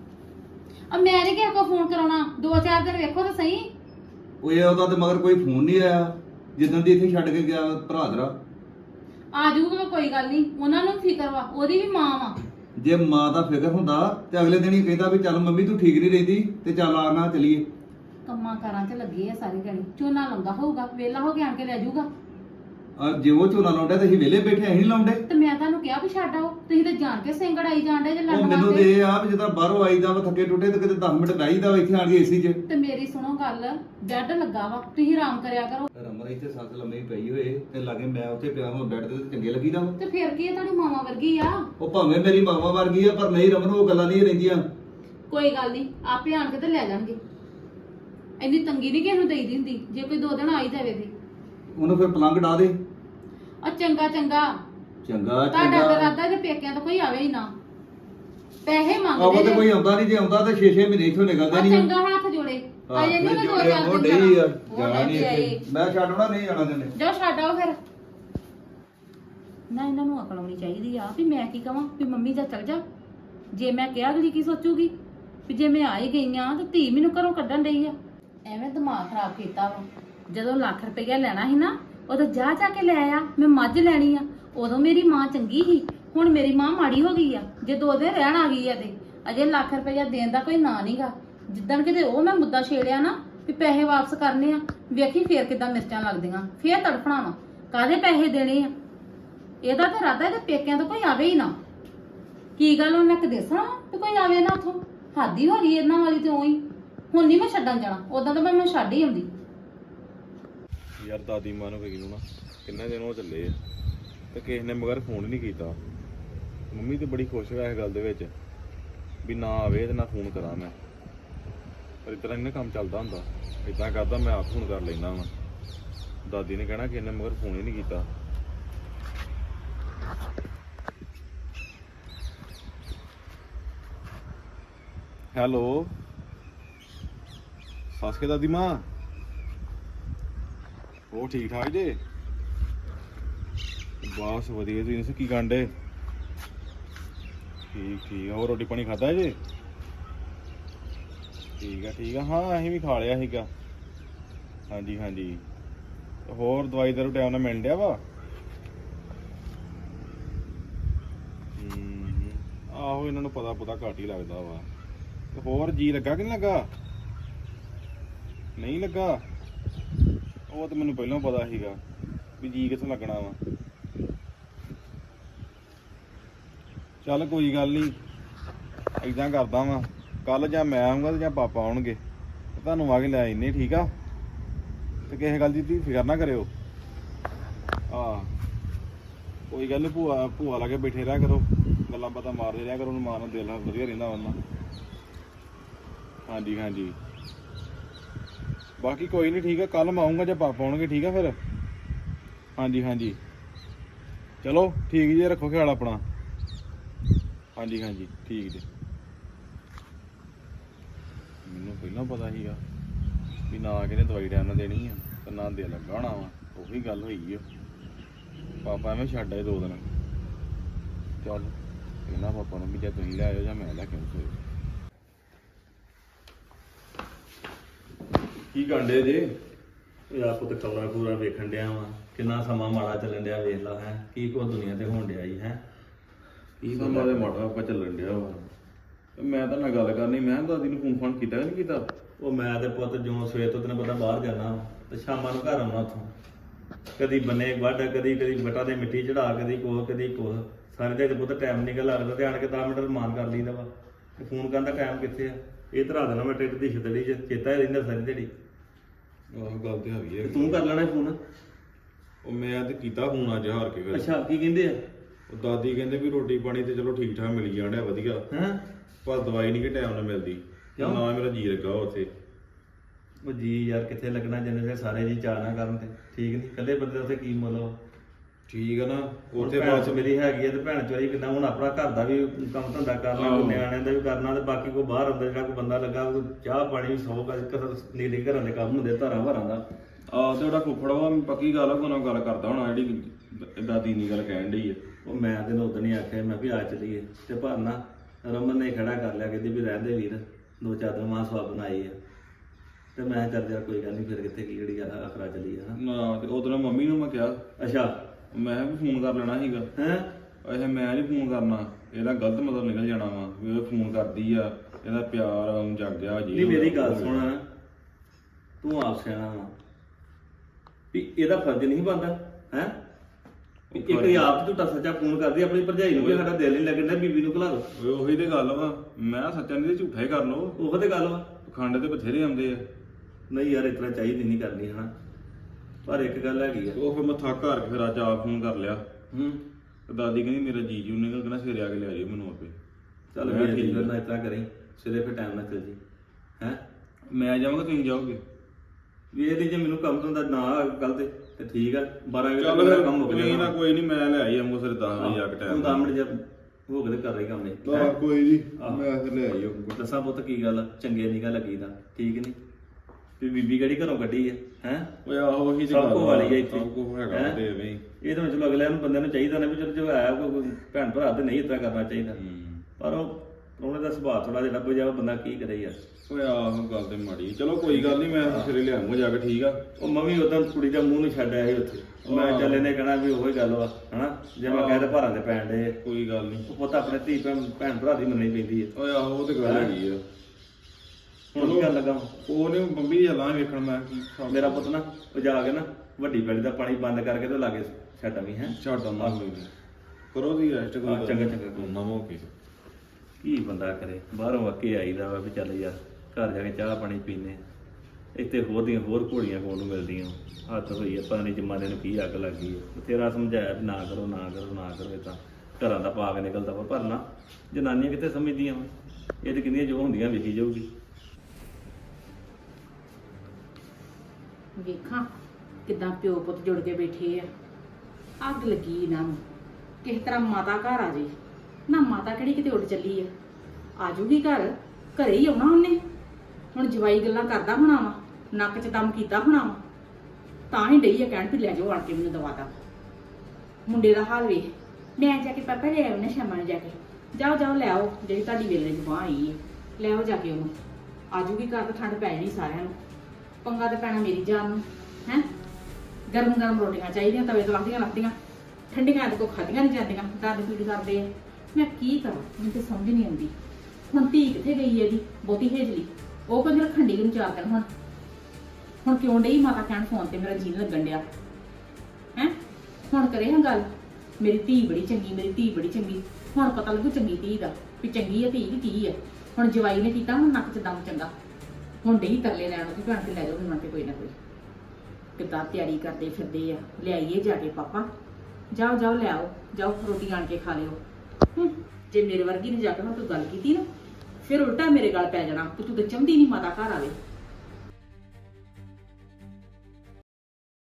[SPEAKER 3] ਆ ਮੈਂ ਨਹੀਂ ਕਿਸੇ ਕੋ ਫੋਨ ਕਰਾਉਣਾ ਦੋ ਚਾਰ ਦਿਨ ਵੇਖੋ ਤਾਂ ਸਹੀ
[SPEAKER 1] ਉਹ ਇਹ ਉਹਦਾ ਤੇ ਮਗਰ ਕੋਈ ਫੋਨ ਨਹੀਂ ਆਇਆ ਜਿੱਦਾਂ ਦੀ ਇੱਥੇ ਛੱਡ ਕੇ ਗਿਆ ਭਰਾ ਤੇਰਾ
[SPEAKER 3] ਆ ਜਾਊਗਾ ਕੋਈ ਗੱਲ ਨਹੀਂ ਉਹਨਾਂ ਨੂੰ ਫਿਕਰ ਵਾ ਉਹਦੀ ਵੀ ਮਾਂ ਵਾ
[SPEAKER 1] ਜੇ ਮਾਂ ਦਾ ਫਿਕਰ ਹੁੰਦਾ ਤੇ ਅਗਲੇ ਦਿਨ ਹੀ ਕਹਿੰਦਾ ਵੀ ਚੱਲ ਮੰਮੀ ਤੂੰ ਠੀਕ ਨਹੀਂ ਰਹਿੰਦੀ ਤੇ ਚੱਲ ਆ ਨਾ ਚਲੀਏ
[SPEAKER 3] ਕੰਮਾਂ ਕਾਰਾਂ 'ਚ ਲੱਗੇ ਆ ਸਾਰੇ ਜਣੇ ਝੋਨਾ ਲਾਉਂਦਾ ਹੋਊਗਾ ਵੇਲਾ ਹੋ ਕੇ ਆਣ ਕੇ ਲੈ ਜਾਊਗਾ
[SPEAKER 1] ਆ ਜੇ ਉਹ ਝੋਨਾ ਲਾਉਂਦਾ ਤੇ ਅਸੀਂ ਵਿਹਲੇ ਬੈਠੇ ਅਸੀਂ ਨਹੀਂ ਲਾਉਂਦੇ
[SPEAKER 3] ਤੇ ਮੈਂ ਤੁਹਾਨੂੰ ਕਿਹਾ ਵੀ ਛੱਡ ਆਓ ਤੁਸੀਂ ਤੇ ਜਾਣ ਕੇ ਸਿੰਗੜਾਈ ਜਾਂਦੇ ਜੇ
[SPEAKER 1] ਉਹ
[SPEAKER 3] ਲੜਨ
[SPEAKER 1] ਮੈਨੂੰ ਤੇ
[SPEAKER 3] ਵਾਸਤੇ
[SPEAKER 1] ਇਹ ਆ ਵੀ ਜਦੋਂ ਬਾਹਰੋਂ ਆਈਦਾ ਵਾ ਥੱਕੇ ਟੁੱਟੇ ਤੇ ਕਿਤੇ ਦਸ ਮਿੰਟ ਬਹਿਈਦਾ ਵਾ ਇੱਥੇ ਆਣ ਕੇ ਏਸੀ 'ਚ
[SPEAKER 3] ਤੇ ਮੇਰੀ ਸੁਣੋ ਗੱਲ ਬੈੱਡ ਲੱਗਾ ਵਾ ਤੁਸੀਂ ਆਰਾਮ ਕਰਿਆ ਕਰੋ
[SPEAKER 1] ਰਮਨ ਇੱਥੇ ਸੱਸ ਲੰਮੀ ਪਈ ਹੋਏ ਤੇ ਲਾਗੇ ਮੈਂ ਉੱਥੇ ਪਿਆ ਹਾਂ ਬੈੱਡ ਤੇ ਚੰਗੇ ਲੱਗੀਦਾ ਵਾ
[SPEAKER 3] ਤੇ ਫਿਰ ਕੀ ਇਹ ਤੁਹਾਡੀ ਮਾਵਾ ਵਰਗੀ ਆ
[SPEAKER 1] ਉਹ ਭਾਵੇਂ ਮੇਰੀ ਮਾਵਾ ਵਰਗੀ ਆ ਪਰ ਨਹੀਂ ਰਮਨ ਉਹ ਗੱਲਾਂ ਨਹੀਂ ਰਹਿੰਦੀਆਂ
[SPEAKER 3] ਕੋਈ ਗੱਲ ਨਹੀਂ ਆਪੇ ਆਣ ਕੇ ਤੇ ਲੈ ਜਾਣਗੇ ਇੰਨੀ ਤੰਗੀ ਨਹੀਂ ਕਿਸੇ ਨੂੰ ਦੇਈ ਦੀ ਹੁੰਦੀ ਜੇ ਕੋਈ ਦੋ ਦਿਨ ਆਈ ਜਾਵੇ ਤੇ
[SPEAKER 1] ਉਹਨੂੰ ਫਿਰ ਪਲੰਗ ਡਾ ਦੇ
[SPEAKER 3] ਆ ਚੰਗਾ ਚੰਗਾ
[SPEAKER 1] ਚੰਗਾ
[SPEAKER 3] ਤੁਹਾਡਾ
[SPEAKER 1] ਚੰਗਾ
[SPEAKER 3] ਇਰਾਦਾ ਜੇ ਪੇਕਿਆਂ ਤੋਂ ਕੋਈ ਆਵੇ ਹੀ ਨਾ ਪੈਸੇ
[SPEAKER 1] ਆਪ
[SPEAKER 3] ਮੰਗਦੇ
[SPEAKER 1] ਤੇ
[SPEAKER 3] ਜੇ
[SPEAKER 1] ਕੋਈ ਆਉਂਦਾ ਨਹੀਂ ਜੇ ਆਉਂਦਾ ਤੇ ਛੇ ਛੇ ਮਹੀਨੇ ਇੱਥੋਂ ਨਿਕਲਦਾ
[SPEAKER 3] ਆ
[SPEAKER 1] ਨਹੀਂ
[SPEAKER 3] ਚੰਗਾ ਹੱਥ ਜੋੜੇ ਆ ਜਾਂਦੇ ਨੇ ਦੋ ਚਾਰ
[SPEAKER 1] ਉਹ
[SPEAKER 3] ਦਿਨ
[SPEAKER 1] ਡਈ ਆ
[SPEAKER 3] ਜਾਣਾ।
[SPEAKER 1] ਜਾਣਾ ਨਹੀਂ
[SPEAKER 3] ਉਹ ਡਈ
[SPEAKER 1] ਇੱਥੇ ਮੈਂ ਛੱਡਣਾ ਨਹੀਂ ਜਾਣਾ ਤੈਨੇ
[SPEAKER 3] ਜਾਓ ਛੱਡ ਆਓ ਫਿਰ ਨਾ ਇਹਨਾਂ ਨੂੰ ਅਕਲ ਆਉਣੀ ਚਾਹੀਦੀ ਆ ਵੀ ਮੈਂ ਕੀ ਕਵਾਂ ਵੀ ਮੰਮੀ ਜਾ ਚੱਲ ਜਾ ਜੇ ਮੈਂ ਕਿਹਾ ਅਗਲੀ ਕੀ ਸੋਚੂਗੀ ਵੀ ਜੇ ਮੈਂ ਆ ਹੀ ਗਈ ਆ ਤੇ ਧੀ ਮੈਨੂੰ ਘਰੋਂ ਕੱਢਣ ਡਈ ਆ ਐਵੇਂ ਦਿਮਾਗ ਖਰਾਬ ਕੀਤਾ ਵਾ ਜਦੋਂ ਲੱਖ ਰੁਪਈਆ ਲੈਣਾ ਸੀ ਨਾ ਉਦੋਂ ਜਾ ਜਾ ਕੇ ਲੈ ਆ ਮੈਂ ਮੱਝ ਲੈਣੀ ਆ ਉਦੋਂ ਮੇਰੀ ਮਾਂ ਚੰਗੀ ਸੀ ਹੁਣ ਮੇਰੀ ਮਾਂ ਮਾੜੀ ਹੋ ਗਈ ਆ ਜੇ ਦੋ ਦਿਨ ਰਹਿਣ ਆ ਗਈ ਆ ਤੇ ਅਜੇ ਲੱਖ ਰੁਪਈਆ ਦੇਣ ਦਾ ਕੋਈ ਨਾਂ ਨਹੀਂਗਾ ਜਿੱਦਣ ਕਿਤੇ ਉਹ ਮੈਂ ਮੁੱਦਾ ਛੇੜਿਆ ਨਾ ਵੀ ਪੈਸੇ ਵਾਪਸ ਕਰਨੇ ਆ ਵੇਖੀ ਫੇਰ ਕਿਦਾਂ ਮਿਰਚਾਂ ਲੱਗਦੀਆਂ ਫੇਰ ਤੜਫਣਾ ਵਾ ਕਾਹਦੇ ਪੈਸੇ ਦੇਣੇ ਆ ਇਹਦਾ ਤਾਂ ਇਰਾਦਾ ਇਹਦੇ ਪੇਕਿਆਂ ਤੋਂ ਕੋਈ ਆਵੇ ਹੀ ਨਾ ਕੀ ਗੱਲ ਉਹਨੇ ਕਦੇਸਣਾ ਤੇ ਕੋਈ ਆਵੇ ਨਾ ਉਥੋਂ ਹੱਦ ਹੀ ਹੋ ਗਈ ਇਹਨਾਂ ਵਾਲੀ ਤੇ ਉਹੀ ਹੁਣ ਨਹੀਂ ਮੈਂ ਛੱਡਣ ਜਾਣਾ ਉਦਾਂ ਤਾਂ ਮੈਂ ਮੈਂ ਛੱਡ ਹੀ ਆਉਂਦੀ
[SPEAKER 4] ਯਾਰ ਦਾਦੀ ਮਾਂ ਨੂੰ ਕਹੀ ਨੂੰ ਨਾ ਕਿੰਨੇ ਦਿਨ ਹੋ ਚੱਲੇ ਆ ਤੇ ਕਿਸੇ ਨੇ ਮਗਰ ਫੋਨ ਨਹੀਂ ਕੀਤਾ ਮੰਮੀ ਤੇ ਬੜੀ ਖੁਸ਼ ਹੋਇਆ ਇਸ ਗੱਲ ਦੇ ਵਿੱਚ ਵੀ ਨਾ ਆਵੇ ਤੇ ਨਾ ਫੋਨ ਕਰਾਂ ਮੈਂ ਪਰ ਇਤਨਾ ਨਹੀਂ ਕੰਮ ਚੱਲਦਾ ਹੁੰਦਾ ਇਦਾਂ ਕਰਦਾ ਮੈਂ ਆਪ ਫੋਨ ਕਰ ਲੈਂਦਾ ਵਾਂ ਦਾਦੀ ਨੇ ਕਹਿਣਾ ਕਿਸੇ ਨੇ ਮਗਰ ਫੋਨ ਹੀ ਨਹੀਂ ਕੀਤਾ ਹੈਲੋ ਸੱਸ ਕੇ ਦਾਦੀ ਮਾਂ ਉਹ ਠੀਕ ਠਾਕ ਜੇ ਬਸ ਵਧੀਆ ਤੁਸੀਂ ਦੱਸੋ ਕੀ ਕਾਂਡੇ ਠੀਕ ਠੀਕ ਹੋਰ ਰੋਟੀ ਪਾਣੀ ਖਾਧਾ ਜੇ ਠੀਕ ਆ ਠੀਕ ਆ ਹਾਂ ਅਸੀਂ ਵੀ ਖਾ ਲਿਆ ਸੀਗਾ ਹਾਂਜੀ ਹਾਂਜੀ ਹੋਰ ਦਵਾਈ ਦਾ ਟਾਈਮ ਨਾਲ ਮਿਲ ਡਿਆ ਵਾ ਹੂੰ ਆਹੋ ਇਹਨਾਂ ਨੂੰ ਪਤਾ ਪਤਾ ਘੱਟ ਹੀ ਲੱਗਦਾ ਵਾ ਤੇ ਹੋਰ ਜੀ ਲੱਗਾ ਕਿ ਨਹੀਂ ਲੱਗਾ ਨਹੀਂ ਲੱਗਾ ਉਹ ਤਾਂ ਮੈਨੂੰ ਪਹਿਲਾਂ ਪਤਾ ਸੀਗਾ ਵੀ ਜੀ ਕਿੱਥੋਂ ਲੱਗਣਾ ਵਾ ਚੱਲ ਕੋਈ ਗੱਲ ਨਹੀਂ ਏਦਾਂ ਕਰਦਾ ਵਾਂ ਕੱਲ ਜਾਂ ਮੈਂ ਆਉਂਗਾ ਤੇ ਜਾਂ ਪਾਪਾ ਆਉਣਗੇ ਤੇ ਤੁਹਾਨੂੰ ਆ ਕੇ ਲੈ ਆਈਨੇ ਠੀਕ ਆ ਤੇ ਕਿਸੇ ਗੱਲ ਦੀ ਤੁਸੀਂ ਫਿਕਰ ਨਾ ਕਰਿਓ ਆ ਕੋਈ ਗੱਲ ਨੀ ਭੂਆ ਭੂਆ ਲਾ ਕੇ ਬੈਠੇ ਰਿਹਾ ਕਰੋ ਗੱਲਾਂ ਬਾਤਾਂ ਮਾਰਦੇ ਰਿਹਾ ਕਰੋ ਉਹਨੂੰ ਮਾਰਨ ਦਿਲ ਨਾਲ ਵਧੀਆ ਰਹਿੰਦਾ ਉਹਨਾਂ ਹਾਂਜੀ ਹਾਂਜੀ ਬਾਕੀ ਕੋਈ ਨਹੀਂ ਠੀਕ ਆ ਕੱਲ ਮੈਂ ਆਉਂਗਾ ਜਾਂ ਪਾਪਾ ਆਉਣਗੇ ਠੀਕ ਆ ਫਿਰ ਹਾਂਜੀ ਹਾਂਜੀ ਚਲੋ ਠੀਕ ਜੀ ਰੱਖੋ ਖਿਆਲ ਆਪਣਾ ਹਾਂਜੀ ਹਾਂਜੀ ਠੀਕ ਜੀ ਮੈਨੂੰ ਪਹਿਲਾਂ ਪਤਾ ਸੀਗਾ ਵੀ ਨਾ ਕਿਹਨੇ ਦਵਾਈ ਟਾਈਮ ਨਾਲ ਦੇਣੀ ਆ ਤੇ ਨਾ ਦੇ ਲੱਗਾ ਹੋਣਾ ਵਾ ਉਹੀ ਗੱਲ ਹੋਈ ਆ ਪਾਪਾ ਐਵੇਂ ਛੱਡ ਆਏ ਦੋ ਦਿਨ ਚੱਲ ਇਹਨਾਂ ਪਾਪਾ ਨੂੰ ਵੀ ਜਾਂ ਤੁਸੀਂ ਲੈ ਆਇਓ ਜਾਂ ਮੈਂ ਲੈ ਕੇ ਆਉਂਦਾ ਕੀ ਕਾਂਡੇ ਜੇ
[SPEAKER 5] ਯਾਰ ਪੁੱਤ ਕਵਰਾ ਪੂਰਾ ਵੇਖਣ ਡਿਆ ਵਾ ਕਿੰਨਾ ਸਮਾਂ ਮਾੜਾ ਚੱਲਣ ਡਿਆ ਵੇਖ ਲਾ ਹੈ ਕੀ ਕੋ ਦੁਨੀਆ ਤੇ ਹੋਣ ਡਿਆ ਹੀ ਹੈ
[SPEAKER 4] ਕੀ ਸਮਾਂ ਦੇ ਮਾੜਾ ਆਪਾਂ ਚੱਲਣ ਡਿਆ ਵਾ ਤੇ ਮੈਂ ਤਾਂ ਨਾਲ ਗੱਲ ਕਰਨੀ ਮੈਂ ਕਿਹਾ ਦਾਦੀ ਨੂੰ ਫੋਨ ਫਾਨ ਕੀਤਾ ਕਿ ਨਹੀਂ ਕੀਤਾ
[SPEAKER 5] ਉਹ ਮੈਂ ਤੇ ਪੁੱਤ ਜਿਉਂ ਸਵੇਰ ਤੋਂ ਤੈਨੂੰ ਪਤਾ ਬਾਹਰ ਜਾਣਾ ਤੇ ਸ਼ਾਮਾਂ ਨੂੰ ਘਰ ਆਉਣਾ ਉੱਥੋਂ ਕਦੀ ਬੰਨੇ ਵੱਢ ਕਦੀ ਕਦੀ ਬਟਾ ਦੇ ਮਿੱਟੀ ਚੜਾ ਕਦੀ ਕੋਹ ਕਦੀ ਕੋਹ ਸਾਰੇ ਦਿਨ ਪੁੱਤ ਟਾਈਮ ਨਿਕਲ ਲੱਗਦਾ ਤੇ ਆਣ ਕੇ ਦਸ ਮਿੰਟ ਰਮਾਨ ਕਰ ਲਈਦਾ ਵਾ ਤੇ ਫੋਨ ਕਰਨ ਦਾ ਟਾਈਮ ਕਿੱਥੇ ਆ ਇਹ ਧਰਾ ਦੇਣਾ ਮੈਂ ਟਿੱਡ ਦੀ ਛਤੜੀ ਚ ਚੇਤਾ ਹੀ ਰਹਿੰਦਾ ਸਾਰੀ ਦਿਹਾੜੀ
[SPEAKER 4] ਆਹ ਗੱਲ ਤੇ ਹੈਗੀ
[SPEAKER 5] ਤੇ
[SPEAKER 4] ਹੈ
[SPEAKER 5] ਤੂੰ ਕਰ ਲੈਣਾ ਫੋਨ
[SPEAKER 4] ਉਹ ਮੈਂ ਤੇ ਕੀਤਾ ਫੋਨ ਅੱਜ ਹਾਰ ਕੇ ਫਿਰ
[SPEAKER 5] ਅੱਛਾ ਕੀ ਕਹਿੰਦੇ ਆ
[SPEAKER 4] ਉਹ ਦਾਦੀ ਕਹਿੰਦੇ ਵੀ ਰੋਟੀ ਪਾਣੀ ਤੇ ਚਲੋ ਠੀਕ ਠਾਕ ਮਿਲੀ ਜਾਣ ਡਿਆ ਵਧੀਆ
[SPEAKER 5] ਹੈਂ
[SPEAKER 4] ਪਰ ਦਵਾਈ ਨਹੀਂ ਕਿ ਟਾਈਮ ਨਾਲ ਮਿਲਦੀ
[SPEAKER 5] ਕਿਉਂ?
[SPEAKER 4] ਨਾ ਮੇਰਾ ਜੀ ਲੱਗਾ ਉੱਥੇ
[SPEAKER 5] ਉਹ ਜੀ ਯਾਰ ਕਿੱਥੇ ਲੱਗਣਾ ਜਿੰਨੇ ਚਿਰ ਸਾਰੇ ਜੀ ਚਾਹ ਨਾ ਕਰਨ ਤੇ ਠੀਕ ਨਹੀਂ ਇਕੱਲੇ ਬੰਦੇ ਉੱਥੇ ਕੀ ਮੁੱਲ ਵਾ
[SPEAKER 4] ਠੀਕ ਆ ਨਾ
[SPEAKER 5] ਉੱਥੇ
[SPEAKER 4] ਉੱਥੇ
[SPEAKER 5] ਭੈਣ
[SPEAKER 4] ਬਸ
[SPEAKER 5] ਮੇਰੀ ਹੈਗੀ ਆ ਤੇ ਭੈਣ ਚੋਰੀ ਕਿੰਨਾ ਹੁਣ ਆਪਣਾ ਘਰ ਦਾ ਵੀ ਕੰਮ ਧੰਦਾ ਕਰਨਾ
[SPEAKER 4] ਆਹੋ।
[SPEAKER 5] ਕੋਈ ਨਿਆਣਿਆਂ ਦਾ ਵੀ ਕਰਨਾ ਤੇ ਬਾਕੀ ਕੋਈ ਬਾਹਰ ਅੰਦਰ ਜਿਹੜਾ ਕੋਈ ਬੰਦਾ ਲੱਗਾ ਕੋਈ ਚਾਹ ਪਾਣੀ ਵੀ ਸੌ ਕਰ ਨੀਲੇ ਘਰਾਂ ਦੇ ਕੰਮ ਹੁੰਦੇ ਧਾਰਾਂ ਭਰਾਂ ਦਾ
[SPEAKER 4] ਆ ਤੇ ਉਹਦਾ ਫੁੱਫੜ ਵਾ ਪੱਕੀ ਗੱਲ ਆ ਕੋਈ ਨਾ ਗੱਲ ਕਰਦਾ ਹੋਣਾ ਜਿਹੜੀ ਦਾਦੀ ਦੀ ਗੱਲ ਕਹਿਣ ਡਈ ਆ
[SPEAKER 5] ਉਹ ਮੈਂ ਤੇ ਉਦੋਂ ਨਹੀਂ ਆਖਿਆ ਮੈਂ ਵੀ ਆ ਚੱਲੀਏ ਤੇ ਪਰ ਨਾ ਰਮਨ ਨੇ ਖੜਾ ਕਰ ਲਿਆ ਕਹਿੰਦੀ ਵੀ ਰਹਿੰਦੇ ਵੀਰ ਦੋ ਚਾਰ ਦਿਨ ਮਾਂ ਸਵਾਦ ਬਣਾਈ ਆ ਤੇ ਮੈਂ ਕਿਹਾ ਚੱਲ ਯਾਰ ਕੋਈ ਗੱਲ ਨਹੀਂ ਫਿਰ ਕਿੱਥੇ ਕੀ ਜਿਹੜੀ ਅਖਰਾ ਚੱਲੀ ਆ
[SPEAKER 4] ਨਾ ਤੇ ਉਦੋਂ ਮੰਮੀ ਨੂੰ ਮੈਂ ਕਿਹਾ
[SPEAKER 5] ਅੱਛਾ
[SPEAKER 4] ਮੈਂ ਕਿਹਾ ਵੀ ਫੋਨ ਕਰ ਲੈਣਾ ਸੀਗਾ
[SPEAKER 5] ਹੈਂ
[SPEAKER 4] ਅੱਛਾ ਮੈਂ ਨਹੀਂ ਫੋਨ ਕਰਨਾ ਇਹਦਾ ਗਲਤ ਮਤਲਬ ਨਿਕਲ ਜਾਣਾ ਵਾ ਵੀ ਉਹ ਫੋਨ ਕਰਦੀ ਆ ਇਹਦਾ ਪਿਆਰ ਆਉਂ ਜਾਗ ਗਿਆ ਜੀ
[SPEAKER 5] ਨਹੀਂ ਮੇਰੀ ਗੱਲ ਸੁਣ ਤੂੰ ਆਪ ਸਿਆਣਾ ਵਾ ਵੀ ਇਹਦਾ ਫਰਜ਼ ਨਹੀਂ ਬਣਦਾ ਹੈ ਇੱਕ ਹੀ ਆਪ ਝੂਠਾ ਸੱਚਾ ਫੋਨ ਕਰਦੀ ਆਪਣੀ ਭਰਜਾਈ ਨੂੰ ਵੀ ਸਾਡਾ ਦਿਲ ਨਹੀਂ ਲੱਗਦਾ ਬੀਬੀ ਨੂੰ ਘਲਾ ਦੋ
[SPEAKER 4] ਓਏ ਉਹੀ ਤੇ ਗੱਲ ਵਾ ਮੈਂ ਸੱਚਾ ਨਹੀਂ ਤੇ ਝੂਠਾ ਹੀ ਕਰ ਲਓ
[SPEAKER 5] ਉਹ ਤੇ ਗੱਲ ਵਾ
[SPEAKER 4] ਖੰਡ ਤੇ ਬਥੇਰੇ ਆਉਂਦੇ ਆ
[SPEAKER 5] ਨਹੀਂ ਯਾਰ ਇਤਨਾ ਚਾਹੀਦੀ ਨਹੀਂ ਕਰਨੀ ਹਨਾ ਪਰ ਇੱਕ ਗੱਲ ਹੈਗੀ ਆ
[SPEAKER 4] ਉਹ ਫਿਰ ਮੈਂ ਥੱਕ ਹਾਰ ਕੇ ਫਿਰ ਅੱਜ ਆਪ ਫੋਨ ਕਰ ਲਿਆ
[SPEAKER 5] ਹੂੰ
[SPEAKER 4] ਤੇ ਦਾਦੀ ਕਹਿੰਦੀ ਮੇਰਾ ਜੀ ਜੂ ਨਿਕਲ ਕਹਿੰਦਾ ਸਵੇਰੇ ਆ ਕੇ ਲੈ ਜਾਈਓ ਮੈਨੂੰ ਆਪੇ
[SPEAKER 5] ਚੱਲ
[SPEAKER 4] ਮੈਂ
[SPEAKER 5] ਵੀ
[SPEAKER 4] ਠੀਕ
[SPEAKER 5] ਠੀਕ
[SPEAKER 4] ਆ।
[SPEAKER 5] ਕਰਨਾ ਇਤਨਾ ਕਰੀ ਸਿਰੇ ਫਿਰ ਟਾਈਮ ਨਾਲ ਚੱਲ ਜੀ ਹੈ
[SPEAKER 4] ਮੈਂ ਜਾਵਾਂਗਾ ਤੁਸੀਂ ਜਾਓਗੇ
[SPEAKER 5] ਵੀ ਇਹਦੇ ਜੇ ਮੈਨੂੰ ਕੰਮ ਤੋਂ ਦਾ ਨਾ ਗੱਲ ਤੇ ਤੇ ਠੀਕ ਆ ਬਾਰਾਂ ਵਜੇ
[SPEAKER 4] ਚੱਲ
[SPEAKER 5] ਤੱਕ
[SPEAKER 4] ਫਿਰ
[SPEAKER 5] ਕੰਮ ਮੁੱਕ
[SPEAKER 4] ਨਹੀਂ ਨਾ
[SPEAKER 5] ਜਾਣਾ
[SPEAKER 4] ਕੋਈ ਨਹੀਂ ਮੈਂ ਲੈ ਆਈ ਅੰਮ੍ਰਿਤਸਰ ਦਸ ਵਜੇ ਆ ਕੇ
[SPEAKER 5] ਤੂੰ
[SPEAKER 4] ਟਾਈਮ
[SPEAKER 5] ਦਸ ਮਿੰਟ ਜਦ ਹੋ ਕੇ ਤੇ ਕਰ ਰਹੀ ਕੰਮ ਨੇ
[SPEAKER 4] ਤਾਂ ਕੋਈ ਨਹੀਂ
[SPEAKER 5] ਆਹ।
[SPEAKER 4] ਮੈਂ ਫਿਰ ਲੈ ਆਈਓ
[SPEAKER 5] ਦੱਸਾਂ ਪੁੱਤ ਕੀ ਗੱਲ ਆ, ਚੰਗੇ ਨਹੀਂ ਗਾ ਲੱਗੀਦਾ ਠੀਕ ਨਹੀਂ ਵੀ ਬੀਬੀ ਕਿਹੜੀ ਘਰੋਂ ਕੱਢੀ ਆ ਹੈ
[SPEAKER 4] ਓਏ ਆਹੋ ਉਹੀ ਤੇ
[SPEAKER 5] ਸਭ
[SPEAKER 4] ਗੱਲ
[SPEAKER 5] ਕੁਝ ਵਾਲੀ ਆ ਇੱਥੇ।
[SPEAKER 4] ਸਭ ਕੁਝ ਹੈਗਾ
[SPEAKER 5] ਹੈਂ?
[SPEAKER 4] ਤੇ ਐਵੇਂ ਹੀ
[SPEAKER 5] ਇਹ ਤਾਂ ਚਲੋ ਅਗਲਿਆਂ ਨੂੰ ਬੰਦਿਆਂ ਨੂੰ ਚਾਹੀਦਾ ਨਾ ਵੀ ਚਲੋ ਜੋ ਆਇਆ ਕੋਈ ਕੋਈ ਭੈਣ ਭਰਾ ਤੇ ਨਹੀਂ ਇਤਨਾ ਕਰਨਾ ਚਾਹੀਦਾ
[SPEAKER 4] ਹੂੰ।
[SPEAKER 5] ਪਰ ਉਹ ਪ੍ਰਾਹੁਣੇ ਦਾ ਸੁਭਾਅ ਥੋੜਾ ਜਿਹਾ ਕੋਈ ਜਾ ਬੰਦਾ ਕੀ ਕਰੇ ਯਾਰ
[SPEAKER 4] ਓਏ ਆਹੋ ਗੱਲ ਤੇ ਮਾੜੀ ਚਲੋ ਕੋਈ ਗੱਲ ਨਹੀਂ ਮੈਂ ਸਵੇਰੇ ਲਿਆਉਂਗਾ ਜਾ ਕੇ ਠੀਕ ਆ
[SPEAKER 5] ਉਹ ਮੰਮੀ ਉਦੋਂ ਕੁੜੀ ਦਾ ਮੂੰਹ ਨੂੰ ਛੱਡ ਆਇਆ ਸੀ ਉੱਥੇ ਮੈਂ ਚੱਲ ਇਹਨੇ ਕਹਿਣਾ ਵੀ ਉਹੀ ਗੱਲ ਵਾ ਹਨਾ ਜੇ ਮੈਂ ਕਹਿੰਦਾ ਭਾਰਾਂ ਦੇ ਪੈਣ ਦੇ
[SPEAKER 4] ਕੋਈ ਗੱਲ ਨਹੀਂ
[SPEAKER 5] ਉਹ ਪੁੱਤ ਆਪਣੇ ਧੀ ਭੈਣ ਭੈਣ ਭਰਾ ਦੀ ਮੰਨਣੀ ਪੈਂਦੀ ਹੈ
[SPEAKER 4] ਓਏ ਆਹੋ ਉਹ ਤੇ ਗੱਲ ਹੈਗੀ ਆ
[SPEAKER 5] ਹੁਣ ਕੀ ਗੱਲ ਲੱਗਾ
[SPEAKER 4] ਉਹਨੇ ਬੰਬੀ ਚੱਲਾਂ ਵੇਖਣ ਮੈਂ ਕੀ ਹਿਸਾਬ-
[SPEAKER 5] ਮੇਰਾ ਪੁੱਤ ਨਾ ਉਹ ਜਾ ਕੇ ਨਾ ਵੱਡੀ ਪੈਲੀ ਦਾ ਪਾਣੀ ਬੰਦ ਕਰਕੇ ਤੇ ਲਾਗੇ ਛੱਡ ਆਵੀਂ ਹੈ
[SPEAKER 4] ਛੱਡ ਆਉਣਾ ਕੋਈ ਨੀ। ਕਰੋ ਦੀ ਰੈਸਟ ਕੋਈ
[SPEAKER 5] ਹਾਂ, ਚੰਗਾ, ਚੰਗਾ, ਕੋਈ
[SPEAKER 4] ਨਾ ਹੋ ਕੇ
[SPEAKER 5] ਕੀ ਬੰਦਾ ਕਰੇ ਬਾਹਰੋਂ ਅੱਕੇ ਆਈਦਾ ਵਾ ਵੀ ਚੱਲ ਯਾਰ ਘਰ ਜਾ ਕੇ ਚਾਹ ਪਾਣੀ ਪੀਨੇ ਇੱਥੇ ਹੋਰ ਦੀਆਂ ਹੋਰ ਘੋੜੀਆਂ ਕੋਲ ਨੂੰ ਮਿਲਦੀਆਂ ਹੱਥ ਹੋਈ ਆ ਪਤਾ ਨਹੀਂ ਜਮਾਨੇ ਨੂੰ ਕੀ ਅੱਗ ਲੱਗ ਗਈ ਹੈ ਤੇਰਾ ਸਮਝਾਇਆ ਵੀ ਨਾ ਕਰੋ ਨਾ ਕਰੋ ਨਾ ਕਰੋ ਇਹ ਤਾਂ ਘਰਾਂ ਦਾ ਪਾਗ ਨਿਕਲਦਾ ਵਾ ਪਰ ਨਾ ਜਨਾਨੀਆਂ ਕਿੱਥੇ ਸਮਝਦੀਆਂ ਵਾ ਇਹ ਤੇ ਕਿੰਨੀਆਂ ਜੋ ਹੁੰਦੀਆਂ ਵੇਖੀ ਜਾਊਗੀ
[SPEAKER 3] ਵੇਖਾਂ ਕਿਦਾਂ ਪਿਓ ਪੁੱਤ ਜੁੜ ਕੇ ਬੈਠੇ ਆ ਅੱਗ ਲੱਗੀ ਇਹਨਾਂ ਨੂੰ ਕਿਸੇ ਤਰ੍ਹਾਂ ਮਾਤਾ ਘਰ ਆ ਜੇ ਨਾ ਮਾਤਾ ਕਿਹੜੀ ਕਿਤੇ ਉੱਡ ਚੱਲੀ ਆ ਆ ਜੂਗੀ ਘਰ ਘਰੇ ਹੀ ਆਉਣਾ ਉਹਨੇ ਹੁਣ ਜਵਾਈ ਗੱਲਾਂ ਕਰਦਾ ਹੋਣਾ ਵਾ ਨੱਕ 'ਚ ਦਮ ਕੀਤਾ ਹੋਣਾ ਵਾ ਤਾਂ ਹੀ ਡਈ ਆ ਕਹਿਣ ਵੀ ਲੈ ਜਾਓ ਆਣ ਕੇ ਮੈਨੂੰ ਦਵਾ ਦਾ ਮੁੰਡੇ ਦਾ ਹਾਲ ਵੇਖ ਮੈਂ ਜਾ ਕੇ ਪਾਪਾ ਲੈ ਆਉਣਾ ਸ਼ਾਮਾਂ ਨੂੰ ਜਾ ਕੇ ਜਾਓ ਜਾਓ ਲੈ ਆਓ ਜਿਹੜੀ ਤੁਹਾਡੀ ਵੇਲੇ ਦੀ ਬਾਂਹ ਆਈ ਹੈ ਲੈ ਆਓ ਜਾ ਕੇ ਉਹਨੂੰ ਆ ਜੂਗੀ ਘਰ ਤਾਂ ਠੰਡ ਪੈ ਜਾਣੀ ਸਾਰਿਆਂ ਨੂੰ ਪੰਗਾ ਤੇ ਪੈਣਾ ਮੇਰੀ ਜਾਨ ਨੂੰ ਹੈ ਗਰਮ ਗਰਮ ਰੋਟੀਆਂ ਚਾਹੀਦੀਆਂ ਤਵੇ ਤੇ ਲੱਗਦੀਆਂ ਲੱਗਦੀਆਂ ਠੰਡੀਆਂ ਤੇ ਕੋ ਖਾਧੀਆਂ ਨਹੀਂ ਜਾਂਦੀਆਂ ਦਰਦ ਪੀੜ ਕਰਦੇ ਆ ਮੈਂ ਕੀ ਕਰਾਂ, ਮੈਨੂੰ ਤੇ ਸਮਝ ਨਹੀਂ ਆਉਂਦੀ। ਹੁਣ ਧੀ ਕਿੱਥੇ ਗਈ ਇਹਦੀ ਬਹੁਤੀ ਹੇਜਲੀ? ਉਹ ਕਹਿੰਦੀ ਰੱਖਣ ਡਈ ਨੂੰ ਚਾਰ ਦਿਨ ਹੁਣ ਹੁਣ ਕਿਉਂ ਡਈ ਮਾਤਾ ਕਹਿਣ ਫੋਨ ਤੇ ਮੇਰਾ ਜੀਅ ਨੀ ਲੱਗਣ ਡਿਆ ਹੈ? ਹੁਣ ਕਰੇ ਹਾਂ ਗੱਲ, ਮੇਰੀ ਧੀ ਬੜੀ ਚੰਗੀ, ਮੇਰੀ ਧੀ ਬੜੀ ਚੰਗੀ। ਹੁਣ ਪਤਾ ਲੱਗੂ ਚੰਗੀ ਧੀ ਦਾ ਵੀ ਚੰਗੀ ਆ ਧੀ ਕਿ ਕੀ ਆ। ਹੁਣ ਜਵਾਈ ਨੇ ਕੀਤਾ, ਹੁਣ ਨੱਕ 'ਚ ਦਮ ਚੰਗਾ। ਹੁਣ ਡਈ ਤਰਲੇ ਲੈਣ ਉਹਦੀ ਭੈਣ ਤੇ ਲੈ ਜਾਓ ਮੈਨੂੰ ਤੇ ਕੋਈ ਨਾ ਕੋਈ। ਕਿੱਦਾਂ ਤਿਆਰੀ ਕਰਦੇ ਫਿਰਦੇ ਆ, ਲਿਆਈਏ ਜਾ ਕੇ ਪਾਪਾ। ਜਾਓ ਜਾਓ ਲਿਆਓ, ਜਾਓ ਰੋਟੀ ਆਣ ਕੇ ਖਾ ਲਿਓ। ਹੂੰ, ਜੇ ਮੇਰੇ ਵਰਗੀ ਨੇ ਜਾ ਕੇ ਹੁਣ ਤੂੰ ਗੱਲ ਕੀਤੀ ਨਾ, ਫਿਰ ਉਲਟਾ ਮੇਰੇ ਗਲ ਪੈ ਜਾਣਾ ਕਿ ਤੂੰ ਤੇ ਚਾਹੁੰਦੀ ਨਹੀਂ ਮਾਤਾ ਘਰ ਆਵੇ।